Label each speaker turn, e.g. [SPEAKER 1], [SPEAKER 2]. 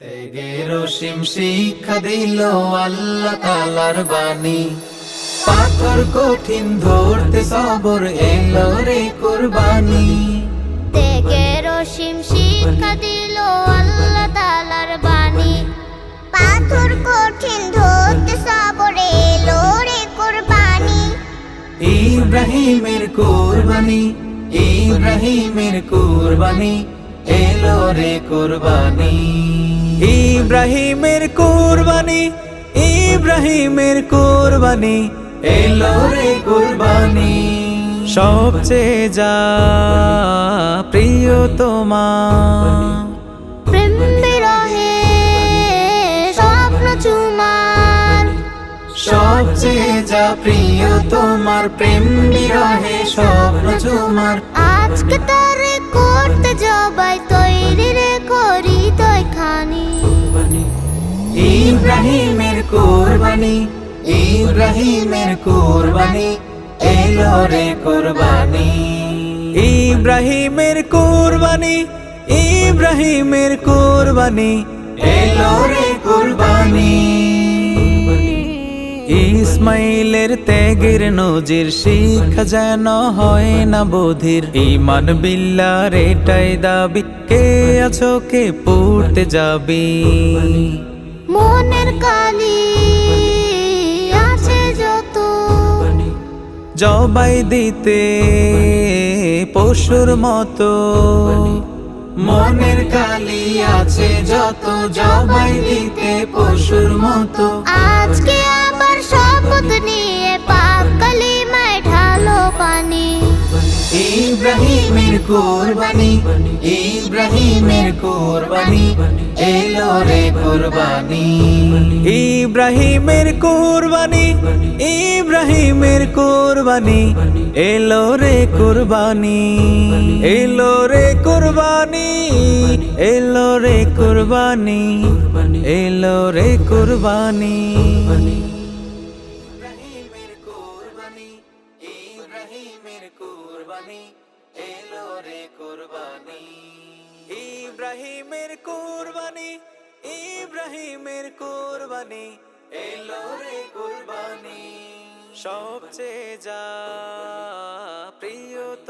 [SPEAKER 1] ত্যাগের অসীম শিক্ষা দিল আল্লাহ তাআলার বাণী। পাথর কঠিন ধরতে সবর এলো রে কুরবানি।
[SPEAKER 2] ত্যাগের অসীম শিক্ষা দিল আল্লাহ তাআলার বাণী। পাথর কঠিন ধরতে সবর এলো রে কুরবানি।
[SPEAKER 1] ইব্রাহিমের কুরবানি, ইব্রাহিমের কুরবানি, এলো রে কুরবানি। ইব্রাহিমের কুরবানি, ইব্রাহিমের কুরবানি, এলো রে কুরবানি। সবচেয়ে যা প্রিয় তোমার,
[SPEAKER 2] প্রেম বিরহে স্বপ্ন চুমার।
[SPEAKER 1] সবচেয়ে যা প্রিয় তোমার, প্রেম বিরহে স্বপ্ন তোমার।
[SPEAKER 2] আজকে তারে করতে জবাই তৈরি রে করি তৈ খানি।
[SPEAKER 1] ইব্রাহিমের কুরবানি, ইব্রাহিমের কুরবানি, এলো রে কুরবানি। ইব্রাহিমের কুরবানি, ইব্রাহিমের কুরবানি, এলো রে কুরবানি। ইসমাইলের ত্যাগের নজির শিক্ষা যেন হয় না বধির। ঈমান বিল্লাহর এটাই দাবি, কে আছো কে পড়তে যাবি।
[SPEAKER 2] মনের কালি আছে যত,
[SPEAKER 1] জবাই দিতে পশুর মতো। মনের কালি আছে যত, জবাই দিতে পশুর মতো।
[SPEAKER 2] আজকে আবার শপথ নিয়ে পাক কালিমায় ঢালো পানি।
[SPEAKER 1] ইব্রাহিমের কুরবানি, ইব্রাহিমের কুরবানি, এলো রে কুরবানি। ইব্রাহিমের কুরবানি, ইব্রাহিমের কুরবানি, এলো রে কুরবানি। এলো রে কুরবানি, এলো রে কুরবানি, এলো রে কুরবানি। ইব্রাহিমের কুরবানি, ইব্রাহিমের কুরবানি, এলো রে কুরবানি। ইব্রাহিমের কুরবানি, ইব্রাহিমের কুরবানি, এলো রে কুরবানি। সবচেয়ে যা প্রিয়